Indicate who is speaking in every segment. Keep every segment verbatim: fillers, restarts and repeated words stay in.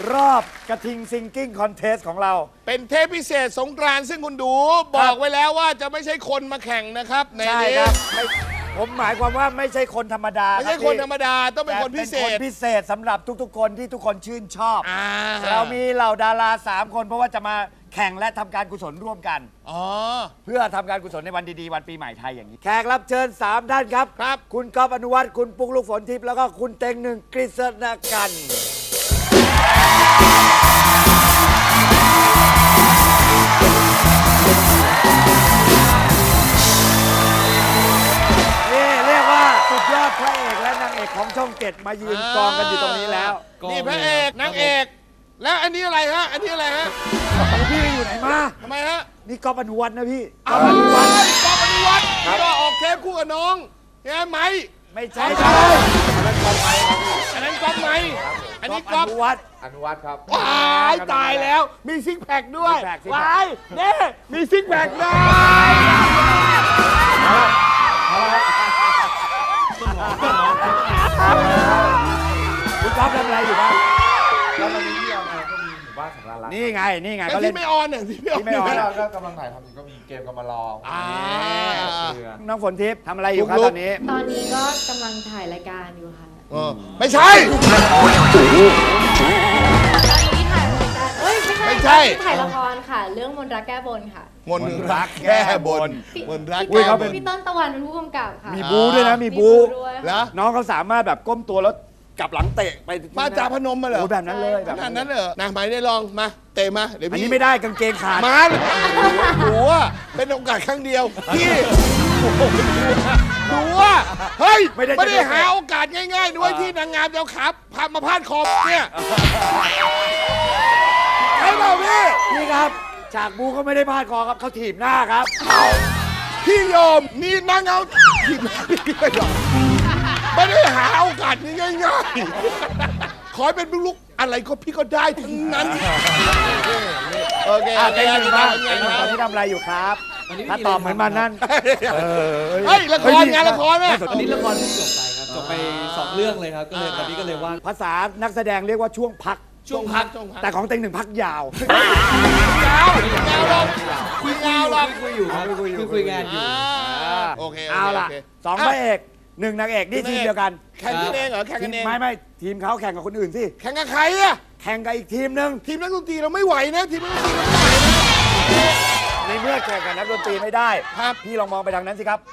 Speaker 1: รอบกระทิงซิงกิ้งคอนเทสของเรา
Speaker 2: เป็นเทปพิเศษสงกรานต์ซึ่งคุณดูบอกไว้แล้วว่าจะไม่ใช่คนมาแข่งนะครับใน
Speaker 1: ใช่
Speaker 2: นี้
Speaker 1: ครับไม่ผมหมายความว่าไม่ใช่คนธรรมดา
Speaker 2: ไม่ใช่คนธรรมดาต้องเป็นคนพิเศ
Speaker 1: แต่
Speaker 2: ษ
Speaker 1: เป็นคนพิเศษสำหรับทุกๆ คนที่ทุกคนชื่นชอบ
Speaker 2: อ่า
Speaker 1: เรามีเหล่าดาราสามคนเพราะว่าจะมาแข่งและทำการกุศลร่วมกัน
Speaker 2: อ๋อ
Speaker 1: เพื่อทำการกุศลในวันดีๆ วันปีใหม่ไทยอย่างนี้ แขกรับเชิญสามท่านครับ
Speaker 2: ครับ
Speaker 1: คุณก๊อฟอนุวัฒน์คุณปุ๊กลูกฝนทิพย์แล้วก็คุณเต็งหนึ่งกฤษณกันต์นี่เรียกว่าสุดยอดพระเอกและนางเอกของช่องเจ็ดมายืนกองกันอยู่ตรงนี้แล้ว
Speaker 2: นี่พระเอกนางเอกแล้วอันนี้อะไรฮะอันนี้อะไรฮะ
Speaker 1: พี่อยู่ไหนมา
Speaker 2: ทำไมฮะ
Speaker 1: นี่ก๊อฟอนุวัฒน์นะพี่
Speaker 2: ก๊อฟอนุวัฒน์ก๊อฟอนุวัฒน์ก็ออกเทปคู่กับน้องใช่ไหม
Speaker 1: ไม่ใช่ครับ
Speaker 2: อันนั้นก๊อฟไหมอันนี้ก๊อฟ
Speaker 1: อนุวัฒน์
Speaker 3: อนุวัฒน์ครับ
Speaker 2: ว้ายตายแล้วมีซิกแพคด้วย
Speaker 1: ซิกแพคซิกแพค
Speaker 2: ว้ายเน่มีซิกแพคด้วย
Speaker 1: คุณก๊อฟทำอะไรอยู่บ้าง
Speaker 3: แล้วตอนนี้ที่ออนแอร์ก็มีหมู่บ้านสำราญรัก
Speaker 1: นี่ไง นี่ไง
Speaker 2: ไอ้
Speaker 1: ก็เล่
Speaker 2: ที่
Speaker 1: น
Speaker 2: ไม่ออนเนี่ยที่ไม่ออน
Speaker 1: ที่ไม่ออน
Speaker 3: ที่เราก็กำลังถ่ายทำอยู่ก็มีเกมกำมารอ
Speaker 2: อ่า
Speaker 3: เรือ
Speaker 1: น้องฝนทิพย์ทำอะไรอยู่ครับ
Speaker 2: ลุกๆ
Speaker 1: ตอนนี้
Speaker 4: ตอนนี้ก็กำลังถ่ายรายการอยู่ค่ะ
Speaker 2: เออไม่ใช่
Speaker 4: ตอนนี้ถ่ายรายการเอ้ยไม่ใช่
Speaker 2: ไม่ใช่
Speaker 4: ตอนนี้ถ่ายละครค่ะ เรื่องมนต์รักแก้บนค่ะ
Speaker 2: มนรักแก้บนมนรัก
Speaker 1: อุ้ย
Speaker 2: แก้
Speaker 1: เขา
Speaker 2: บ
Speaker 1: เป็น
Speaker 2: น
Speaker 4: พี่ต้นตะวันเป็นผู้กำกับค่ะ
Speaker 1: มีบูด้วยนะ มีบู
Speaker 4: ด้วย
Speaker 2: เหรอ
Speaker 1: น้องเขาสามารถแบบก้มตัวแล้วกลับหลังเตะไป
Speaker 2: มาจากพนมมาเหรอ
Speaker 1: โอ้แบบนั้นเลยแบบ
Speaker 2: ขนาดนั้นเลยเหรอนะหมายได้ลองมาเตะมาเดี๋ยว
Speaker 1: อัน
Speaker 2: พี่
Speaker 1: นี้ไม่ได้กางเกงขาด
Speaker 2: มาเลยหนูว่าเป็นโอกาสครั้งเดียวพี่หนูว่าเฮ้ยไม่ได้หาโอกาสง่ายๆด้วยที่นางงามจะเอาขาพามาพาดคอเนี่ยใช่เปล่าพี่
Speaker 1: นี่ครับฉากบูเขาไม่ได้พลาดคอครับเขาถีบหน้าครับ
Speaker 2: พี่ยอมนี่นางงามผิดไม่ยอมไม่ได้หาโอกาสง่ายๆขอให้เป็นลูกอะไรก็พี่ก็ได้ทั้งนั้นโอเค
Speaker 1: อ่ะเต็งหนึ่งบ้าง
Speaker 2: โอเค
Speaker 1: เต็งหนึ่งตอนนี้ทำอะไรอยู่ครับถ้าตอบเหมือนมันนั่นเออ
Speaker 2: เฮ้ยละครงานละครไหม
Speaker 5: อันนี้ละครเพิ่งจบไปครับจบไปสองเรื่องเลยครับก็เลยตอนนี้ก็เลยว่าง
Speaker 1: ภาษานักแสดงเรียกว่าช่วงพัก
Speaker 2: ช่วงพักช่วงพัก
Speaker 1: แต่ของเต็งหนึ่งพักยาว
Speaker 2: ยาวยาวลงคุยยาวลง
Speaker 5: คุยอยู่ครับคุยคุยงานอยู่
Speaker 2: อ่าโอเค
Speaker 1: เอาล่ะ
Speaker 2: โค
Speaker 1: สองพระเอกหนึ่งนางเอกนี่ทีมเดียวกัน
Speaker 2: แข่งกันเองเหรอแข่งกันเอง
Speaker 1: ไม่ไม่ทีมเขาแข่งกับคนอื่นสิ
Speaker 2: แข่งกับใครอะ
Speaker 1: แข่งกับอีกทีมหนึ่ง
Speaker 2: ทีมนักดนตรีเราไม่ไหวนะทีมนักดนตรีเราไม่ไหวนะ
Speaker 1: ในเมื่อแข่งกับนักดนตรีไม่ได้
Speaker 2: ครับ
Speaker 1: พี่ลองมองไปทางนั้นสิครับ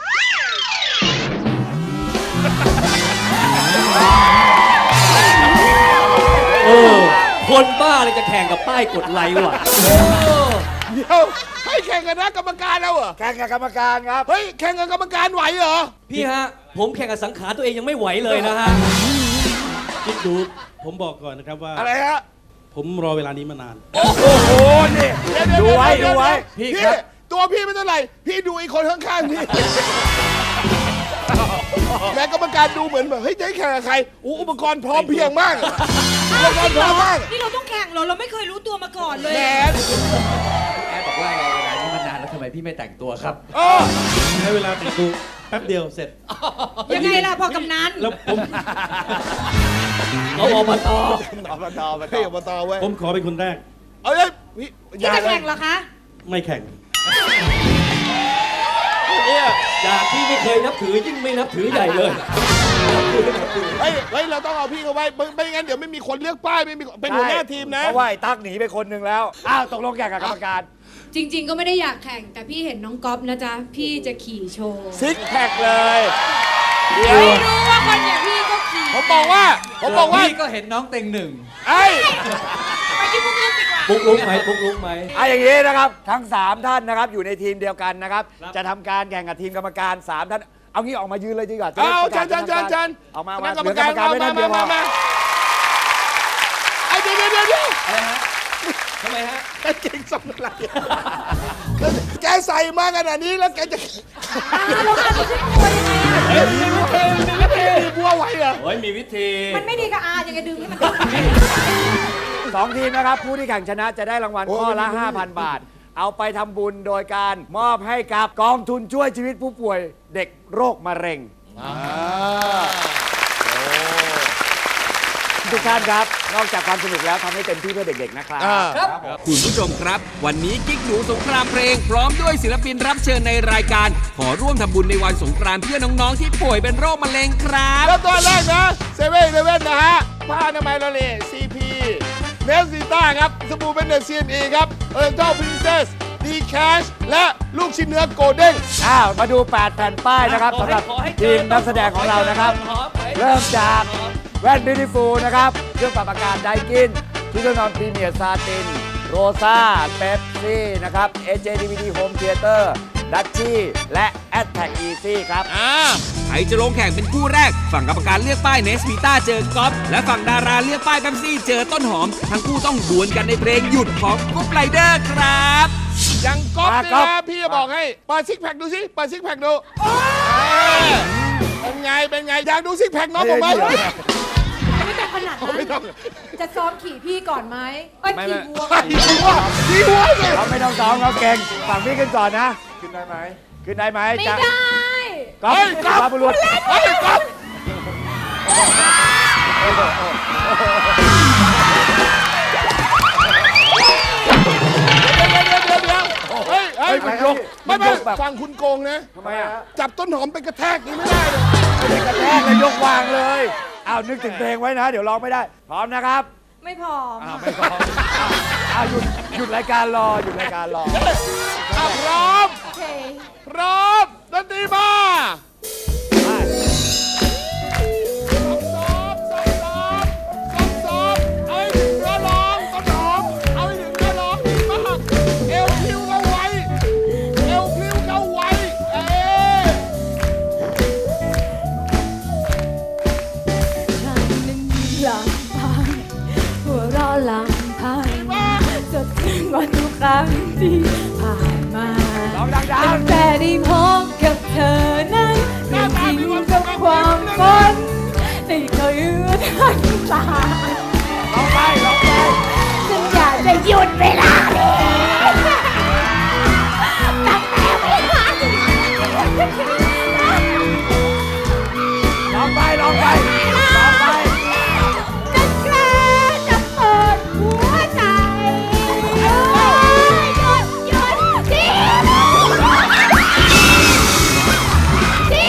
Speaker 5: โอ้คนบ้าเลยจะแข่งกับป้ายกดไลค์ว่ะ
Speaker 2: เดี๋ยวให้แข่งกับนักกรรมการแล้วเหรอ
Speaker 1: แข่งกับกรรมการครับ
Speaker 2: เฮ้ยแข่งกับกรรมการไหวเหรอ
Speaker 5: พี่ฮะ ผมแข่งกับสังขารตัวเองยังไม่ไหวเลยนะฮะ
Speaker 6: คิดดู ผมบอกก่อนนะครับว่า
Speaker 2: อะไรฮะ
Speaker 6: ผมรอเวลานี้มานาน
Speaker 1: โอ้โหนี่
Speaker 2: เดี๋ยว
Speaker 1: ดูไว้
Speaker 2: เดี๋
Speaker 1: ดู
Speaker 2: ย
Speaker 1: ไว้
Speaker 2: พี่
Speaker 5: พี่ครับ
Speaker 2: ตัวพี่ไม่เท่าไหร่พี่ดูอีกคนข้างๆพี่แม่กรรมการดูเหมือนแบบเฮ้ยจะให้แข่งกับใครอู้อุปกรณ์พร้อมเพรียงมากอุปกรณ์พร้อมมาก
Speaker 7: นี่เราต้องแข่งเหรอ เราไม่เคยรู้ตัวมาก่อนเลย
Speaker 2: แหม
Speaker 5: แอดบอกว่าไงเวลานี้มานานแล้วทำไมพี่ไม่แต่งตัวครับ
Speaker 2: เออ
Speaker 6: ใช้เวลาแต่งตัวแป๊บเดียวเสร็จ
Speaker 7: ยังไงล่ะพ่อกำนัน
Speaker 6: แล้วผม
Speaker 5: เอาอบต
Speaker 2: อบตอบตอบตเว้ย
Speaker 6: ผมขอเป็นคนแรก
Speaker 2: เอาเลยพี่
Speaker 7: ที่จะแข่งเหรอคะ
Speaker 6: ไม่แข่ง
Speaker 2: เนี่ย
Speaker 5: จากที่ไม่เคยนับถือยิ่งไม่นับถือใหญ่เลย
Speaker 2: เฮ้ยเฮ้ยเราต้องเอาพี่เขาไว้ไม่ไม่งั้นเดี๋ยวไม่มีคนเลือกป้ายไม่มีเป็นหัวหน้าทีมนะ
Speaker 1: เพราะว่าไอ้ตั๊กหนีไปคนหนึ่งแล้ว อ้าวตกลงแข่งกับกรรมการ
Speaker 7: จริง ๆ ก็ไม่ได้อยากแข่ง แต่พี่เห็นน้องก๊อฟนะจ๊ะ พี่จะขี่โชว์
Speaker 1: ซิกแพคเลย เดี๋ยว
Speaker 7: ไม่รู้ว่าคนอย่างพี่ก็ขี่
Speaker 2: ผมบอกว่าผมบอกว่า
Speaker 5: พี่ก็เห็นน้องเต็งหนึ่ง
Speaker 2: ไอ้
Speaker 7: ไปที่พวกเราดีกว่า
Speaker 5: ปุ๊กลุกไหมปุ๊กลุกไหม
Speaker 1: เอาอย่างนี้นะครับ ทั้งสามท่านนะครับอยู่ในทีมเดียวกันนะครับ จะทำการแข่งกับทีมกรรมการสามท่าน เอางี้ออกมายืนเลยดีกว่าจะได้
Speaker 2: เอา
Speaker 1: ประ
Speaker 2: เชิ
Speaker 1: กาศ
Speaker 2: ญเชิญเชิญเชิญ
Speaker 1: ออกมา
Speaker 2: ค
Speaker 1: มา
Speaker 2: ณะกรร
Speaker 1: เห
Speaker 2: ม
Speaker 1: ลือกร
Speaker 2: การ
Speaker 1: รมการ
Speaker 2: มา
Speaker 1: ไม่
Speaker 2: มา
Speaker 1: ท่านเดียวพอ
Speaker 2: มามาไอ้เดี๋ยวเดี๋ยวเดี๋ยวเดี๋ยว
Speaker 5: อะไรฮะทำไมฮะ
Speaker 2: กางเกงทรงอะไรแกใส่มาขนาดนี้แล้วแกจะ
Speaker 7: เราอาจจะเป็นตัวยังไงอะ
Speaker 2: เฮ้ยมีวิธีมีวิธีบัวไหวเหรอ
Speaker 5: โอ้ยมีวิธี
Speaker 7: มันไม่ดีกับอายังไงดึงให้มัน
Speaker 1: สองทีมนะครับ ผู้ที่แข่งชนะจะได้รางวัลข้อละ ห้าพัน บาท เอาไปทำบุญโดยการมอบให้กับกองทุนช่วยชีวิตผู้ป่วยเด็กโรคมะเร็ง
Speaker 2: อ่า
Speaker 1: ทุกท่านครับ นอกจากความสนุกแล้วทำให้เต็มที่เพื่อเด็กๆนะครับ
Speaker 2: อ่า
Speaker 8: คุณผู้ชมครับ วันนี้กิ๊กหนูสงครามเพลง พร้อมด้วยศิลปินรับเชิญในรายการ ขอร่วมทำบุญในวันสงกรานต์เพื่อน้องๆที่ป่วยเป็นโรคมะเร็งครับ
Speaker 2: แล้วตัวแรกนะเซเว่นเลเว่นนะฮะผ้าอนามัยละเลซีพีเนสซิต้าครับสบู่เป็นเนสซีนอีครับเอิร์เจ้าพรินเซสดีแคชและลูกชิ้นเนื้อโกลเด้ง
Speaker 1: อ้าว มาดู แปด แผ่นป้ายนะครับสำหรับทีมนักแสดงของเรานะครับ เริ่มจากแว่น Beautiful นะครับ เครื่องปรับอากาศไดกินที่เครื่องนอนพรีเมียร์ซาติน โรซ่าเป๊ปซี่นะครับ เอ เจ ดี วี ดี Home Theater ดัชชี่และ แอทแทก Easy ครับ
Speaker 2: อ่า
Speaker 8: ใครจะลงแข่งเป็นคู่แรก ฝั่งกรรมการเลือกป้ายเนสวีต้าเจอก๊อฟและฝั่งดาราเลือกป้ายแบมซี่เจอต้นหอม ทั้งคู่ต้องดวลกันในเพลงหยุดของกรุ๊ปไรเดอร์ครับ
Speaker 2: ยังก๊อฟ
Speaker 1: มา
Speaker 2: นี่
Speaker 1: ก๊อฟ
Speaker 2: นะพี่จะบอกให้เปิดซิกแพคดูสิเปิดซิกแพคดูเออเป็นไงเป็นไงอยากดูซิกแพคน้องผมไหม
Speaker 7: ไม่ต้องขนาดนั้น
Speaker 2: ไม่ต้อง
Speaker 7: จะซ้อมขี่พี่ก่อนไหมเอ้ย
Speaker 1: ไม่
Speaker 7: ขี่
Speaker 1: ไม่
Speaker 7: วัว
Speaker 2: ไอ้หัวพี่หัวสิ
Speaker 1: เราไม่ต้องซ้อมเราเก่งฝั่งพี่ขึ้นก่อนนะ
Speaker 3: ขึ้นได้ไหม
Speaker 1: ขึ้นได้ไหม
Speaker 4: ไม่
Speaker 1: จะ
Speaker 4: ได้
Speaker 1: ก๊อฟ
Speaker 2: เฮ้ยก๊อฟ
Speaker 1: สุภาพบุรุษ
Speaker 2: เฮ้ยก๊อฟเดี๋ยวเดี๋ยวเดี๋ยวเฮ้ยเฮ้
Speaker 1: เฮ้
Speaker 2: ย
Speaker 1: ยมันยก
Speaker 2: ไม่
Speaker 1: มัน
Speaker 2: ไม่
Speaker 1: ยกแบบ
Speaker 2: ฟังคุณโกงนะ
Speaker 1: ทำไมอ่ะ
Speaker 2: จับต้นหอมไปกระแทกนี่ไม่ได้เลย
Speaker 1: ไม่ได้กระแทกเลยยกวางเลยอ้าวนึกถึงเพลงไว้นะ เดี๋ยวร้องไม่ได้ พร้อมนะครับ
Speaker 7: ไม่พร้อม
Speaker 1: อ้าวไม่พร้อมอ้าวอ้าวหยุดหยุดรายการรอหยุดรายการรอ
Speaker 2: อ่ะพร้อม
Speaker 7: โอเค
Speaker 2: พร้อมดนตรีมาซ้อมซ้อมซ้อมซ้อมซ้อมเอาให้ถึงเนื้อร้องต้นหอมเอาให้ถึงเนื้อร้องดีมากเอวพลิ้วเข้าไว้เอวพลิ้วเข้าไว้เอ๊ะ
Speaker 4: ฉันนั้นลำพังหัวเราะลำพังจดถึงวันทุกครั้งที่ผ่านมา
Speaker 1: ร้องดัง
Speaker 4: ตั้งแต่ได้พบกับเธอนั้นเรื่องจริงกับความฝันได้เคยเอื้อทันตา
Speaker 1: ๆร้องไปร้องไป
Speaker 4: ฉันอยากจะหยุดเวลานี้ตั้งแต่เวลานี้
Speaker 1: ร้องไปร้องไปร้องไป
Speaker 4: จะกล้าจะเปิดหัวใจเอ้ยหยุดหยุดที่ที่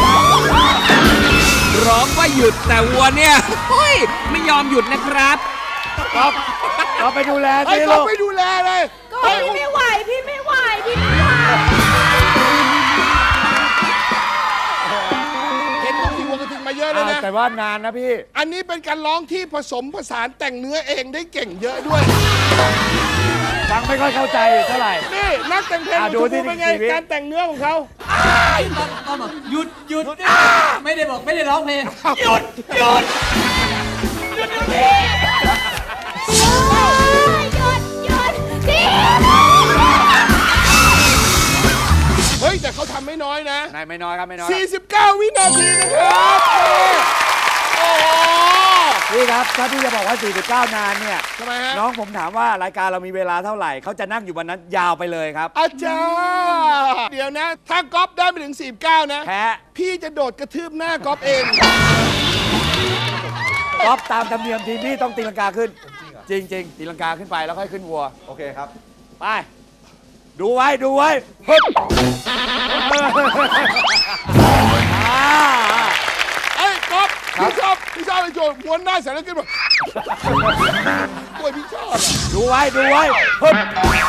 Speaker 8: ร้องว่าหยุดแต่วัวเนี่ยเฮ้ยไม่ยอมหยุดนะครับ
Speaker 1: ก๊อฟก๊อฟไปดูแล
Speaker 2: ไอ้
Speaker 1: สิ
Speaker 2: ก็
Speaker 1: ลูก
Speaker 2: ไม่ดูแลเลย
Speaker 7: ก็พี่ไม่ไหว พี่ไม่ไหว พี่ไม่ไหว
Speaker 2: เห็นต้องสิวัวกระทิงมาเยอะเลย
Speaker 1: อ้าว
Speaker 2: นะ
Speaker 1: แต่ว่านานนะพี่
Speaker 2: อันนี้เป็นการร้องที่ผสมผสานแต่งเนื้อเองได้เก่งเยอะด้วย
Speaker 1: ฟังไม่ค่อยเข้าใจเท่าไหไหร่
Speaker 2: นี่นักแต่งเพลง
Speaker 1: อ่ะ
Speaker 2: ของ
Speaker 1: ดู
Speaker 2: ชม
Speaker 1: สิ
Speaker 2: พู่เป็นไง
Speaker 1: ชีวิต
Speaker 2: การแต่งเนื้อของเขา
Speaker 5: ก็บอกหยุดหยุดไม่ได้บอกไม่ได้ร้องเพลง
Speaker 2: เฮ้ย แต่เขาทำไม่น้อยนะ
Speaker 1: นายไม่น้อยครับไม่น้อย
Speaker 2: สี่สิบเก้า วินาทีนะครับโอ้โห
Speaker 1: พี่ครับถ้าพี่จะบอกว่า สี่สิบเก้า นานเนี่ย
Speaker 2: ทำไมฮะ
Speaker 1: น้องผมถามว่ารายการเรามีเวลาเท่าไหร่ เขาจะนั่งอยู่วันนั้นยาวไปเลยครับ
Speaker 2: อาจารย์เดี๋ยวนะ ถ้าก๊อฟได้ไปถึง สี่สิบเก้า นะ
Speaker 1: แพ้
Speaker 2: พี่จะโดดกระทืบหน้าก๊อฟเอง
Speaker 1: ก๊อฟตามธรรมเนียมทีมพี่ต้องตีลังกาขึ้น จริงจริงๆตีลังกาขึ้นไปแล้วค่อยขึ้นวัว
Speaker 3: โอเคครับ
Speaker 1: ไป ดูไว้ดูไว้ฮึบอ่า
Speaker 2: เอ้ยก๊อฟพี่ชอบพี่ชอบไอ้โจรม้วนหน้าเสร็จแล้วขึ้นมาโอ้ยพี่ชอบอะ
Speaker 1: ดูไว้ดูไว้ฮึบ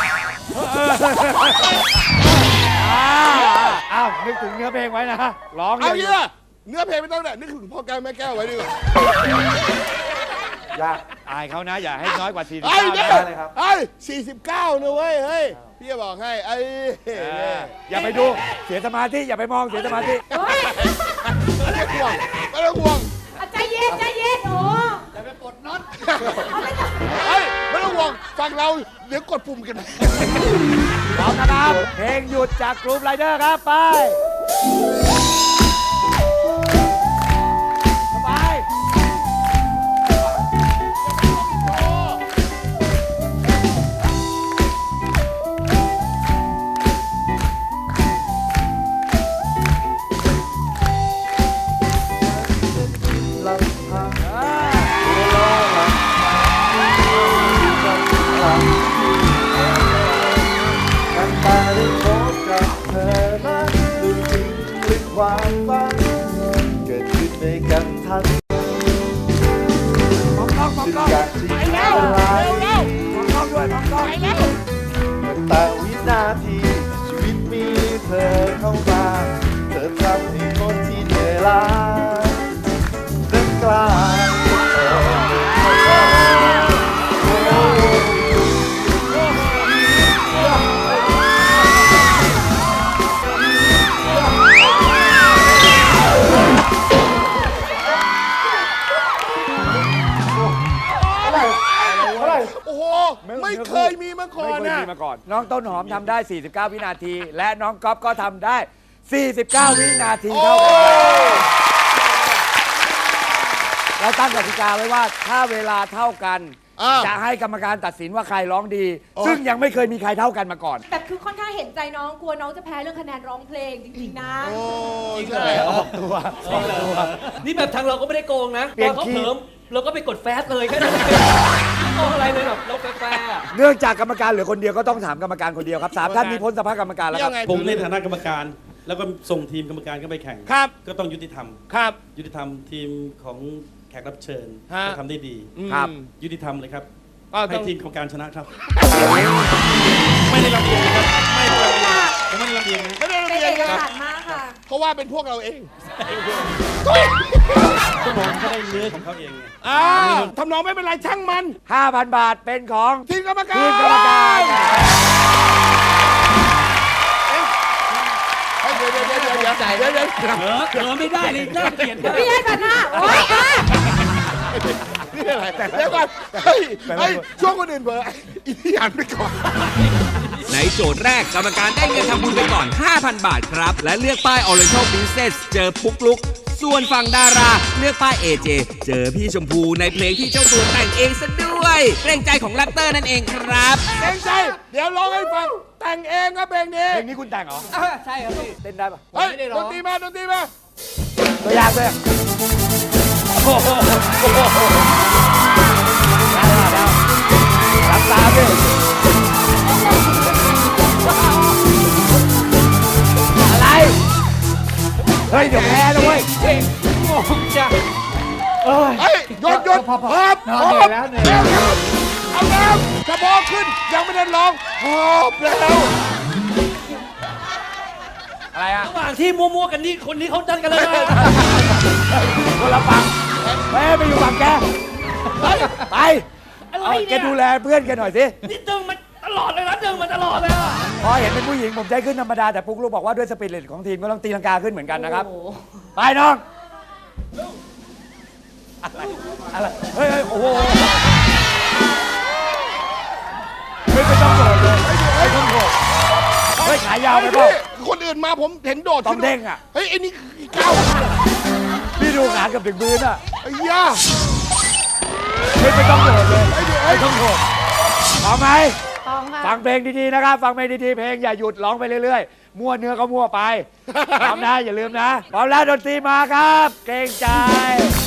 Speaker 1: อ่าอ้าวนึกถึงเนื้อเพลงไว้นะร้อง
Speaker 2: เอา
Speaker 1: เย
Speaker 2: เย
Speaker 1: อะ
Speaker 2: อะเนื้อเพลงไม่ต้องเนี่ยนึกถึงพ่อแก้วแม่แก้วไว้ดีกว่า
Speaker 1: อย่าอายเขานะ อย่าให้น้อยกว่าสี่สิบ
Speaker 2: ไอ้
Speaker 1: เก้า
Speaker 2: เนี่ย
Speaker 1: นะ
Speaker 2: ไอ้สี่สิบเก้านะเว้ย เฮ้ย พี่จะบอกให้ ไอ้
Speaker 1: เอออย่าไปดูเสียสมาธิอย่าไปมองเสียสมาธิ
Speaker 2: ไม่ต้องห่วงไม่ต้องห่วง
Speaker 7: อ่ะใจเย็นใจเย็นโอ้
Speaker 2: เฮ้ย ไม่ต้องห่วง ฟังเรา เดี๋ยวกดปุ่มกัน
Speaker 1: พร้อมนะครับ เพลงหยุดจากกรุ๊ปไรเดอร์ครับ ไปไป
Speaker 3: ลำพัง
Speaker 1: อ่า
Speaker 9: ความฝันเกิดขึ้นในกันทัน
Speaker 1: มองกล้องมอง
Speaker 9: จึง
Speaker 1: กล้อง
Speaker 9: อยากจะยิงละลาย
Speaker 1: มองกล้องด้วยมองกล้อง
Speaker 9: แต่วินาทีชีวิตมีเธอเข้ามาเธอทำให้คนที่เหนื่อยล้านั้นกล้า
Speaker 2: โอ้โห ไม่เคยมีมาก่อ
Speaker 1: ไม่
Speaker 2: น
Speaker 1: เคย
Speaker 2: นะ
Speaker 1: มีมาก่อน น้องต้นหอมทำได้ สี่สิบเก้า วินาที และน้องก๊อฟก็ทำได้ สี่สิบเก้า วินาที
Speaker 2: โอ้
Speaker 1: เท่ากันเราตั้งกติกาไว้ว่าถ้าเวลาเท่ากัน
Speaker 2: อ่า
Speaker 1: จะให้กรรมการตัดสินว่าใครร้องดี
Speaker 2: โอ้
Speaker 1: ซึ่งยังไม่เคยมีใครเท่ากันมาก่อน
Speaker 4: แต่คือค่อนข้างเห็นใจน้องกลัวน้องจะแพ้เรื่องคะแนนร้องเพลงจริงๆนะ
Speaker 2: โอ้ยใช่
Speaker 1: ออกตัวออกตัว
Speaker 5: นี่แบบทางเราก็ไม่ได้โกงนะ
Speaker 1: เปลี่
Speaker 5: ต
Speaker 1: ย
Speaker 5: อน นเขา
Speaker 1: คีย์
Speaker 5: เผิมเราก็ไปกดแฟสเลยแค่นั้นเองไม่โกงอะไรเลยแบบเราแฟร์ๆอะ
Speaker 1: เนื่องจากกรรมการเหลือคนเดียวก็ต้องถามกรรมการคนเดียวครับสามท่านมีพ้นสภาพกรรมการแล้วค
Speaker 2: ยั
Speaker 1: รับ
Speaker 2: งไง
Speaker 6: ผมในฐานะกรรมการ แล้วก็ส่งทีมกรรมการเข้าไปแข่ง
Speaker 2: ครับ
Speaker 6: ก็ต้องยุติธรรม
Speaker 2: ครับ
Speaker 6: ยุติธรรมทีมของแขกรับเชิญ
Speaker 2: ฮะ
Speaker 6: ก็ทำได้ดี
Speaker 1: ครับ
Speaker 2: อืม
Speaker 6: ยุติธรรมเลยครับ
Speaker 2: ก็ต้
Speaker 6: ให้
Speaker 2: อง
Speaker 6: ทีมกรรมการชนะครับ ไม่ได้ลำเอียงนะครับไม่ได้ลำเอียงผมไม่ได้ลำเอียงนะ
Speaker 2: ไม่ได้
Speaker 4: เป็น
Speaker 2: เรีย
Speaker 4: เอน ก
Speaker 2: กัน
Speaker 4: ฉันท์มากค่ะ
Speaker 2: เพราะว่าเป็นพวกเราเอง
Speaker 6: ก็ผมก็ได้เนื้อของเขาเองไง
Speaker 2: อ่าทำนองไม่เป็นไรช่างมัน
Speaker 1: ห้าพัน บาทเป็นของ
Speaker 2: ทีมกรรมการ
Speaker 1: ทีมกรรมการครับ
Speaker 2: เฮ้ยเดี๋ยวเดี๋ยวเดี๋ยวเดี๋ยวเดี๋ยวเดี๋ยวเดี๋ยว
Speaker 5: เออเออไม่ได้เลยน่าเกลียดมาก
Speaker 4: พี่ให้พันห้าโอ๊ยอ่ะ
Speaker 2: นี่อะไรเดี๋ยวก่อนเฮ้ยเฮ้ยช่วงคนอื่นเบอร์อีนี่อ่านไปก่อน
Speaker 8: ในโจทย์แรกกรรมการได้เงินทำบุญไปก่อน ห้าพัน บาทครับ และเลือกป้าย Oriental Princess เจอปุ๊กลุก ส่วนฝั่งดาราเลือกป้าย เอ เจ เจอพี่ชมพูในเพลงที่เจ้าตัวแต่งเองซะด้วยเกรงใจของแรปเตอร์นั่นเองครับ
Speaker 2: เต็งใจ เดี๋ยวร้องให้ฟัง แต่งเองครับเพลงนี้
Speaker 1: เพลงนี้คุณแต่งเหรอ
Speaker 5: ใช่ครับพี่
Speaker 1: เต้นได้ปะ
Speaker 2: เฮ้ย
Speaker 5: ไม่ได้ร้
Speaker 2: ด
Speaker 5: อง
Speaker 2: นตรีมาดนตรีมา
Speaker 1: ตัวอย่างเลยโอ้โหโอ้โหได้แล้วได้รับตามดิอะไร เฮ้ย เดี๋ยวแพ้นะเว้ย
Speaker 5: งงจ้ะ
Speaker 2: เฮ้ยหยุดหยุดพอพอพอแล้วเหนื่อยเอาแล้วกระบอกขึ้น ยังไม่ได้ร้องพอบแล้ว
Speaker 1: อะไรอะ
Speaker 5: ระหว่างที่มัวๆกันนี่คนนี้เขาดันกันเลยนะ
Speaker 1: คนละฝั่งเฮ้ยไปอยู่ฝั่งแก ไป ไป
Speaker 5: อะไร
Speaker 1: เอาแก
Speaker 5: เนี่ย
Speaker 1: ดูแลเพื่อนแกหน่อยสิ
Speaker 5: นี่ดึงมันตลอดเลยนะดึงมันตลอดเลยอะ
Speaker 1: พอเห็นเป็นผู้หญิงผมใจขึ้นธรรมดา แต่ปุ๊กลูกบอกว่าด้วยสปิริตของทีมก็ต้องตีลังกาขึ้นเหมือนกันนะครับ ไปน้อง อะไร อะไร เฮ้ยเฮ้ยโอ้โหเฮ้ยไม่ต้องโดดเลยไม่ต้องโดดเฮ้ยขายาวไปเปล่า
Speaker 2: คนอื่นมาผมเห็นโดด
Speaker 1: ต้องเด้งอะ
Speaker 2: เฮ้ยไอ้นี่ก้าว
Speaker 1: พี่ดูขาเกับถึงพื้นอ่ะ
Speaker 2: ไอ้ย่า
Speaker 1: เฮ้ยไม่ต้องโดดเลยไม่ต้องโดดพร้อมไหม
Speaker 4: พร้อมค่ะ
Speaker 1: ฟังเพลงดีๆนะครับ ฟังเพลงดีๆ เพลงอย่าหยุดร้องไปเรื่อยๆ มั่วเนื้อก็มั่วไป พร้อมนะอย่าลืมนะ พร้อมแล้วดนตรีมาครับ เกรงใจ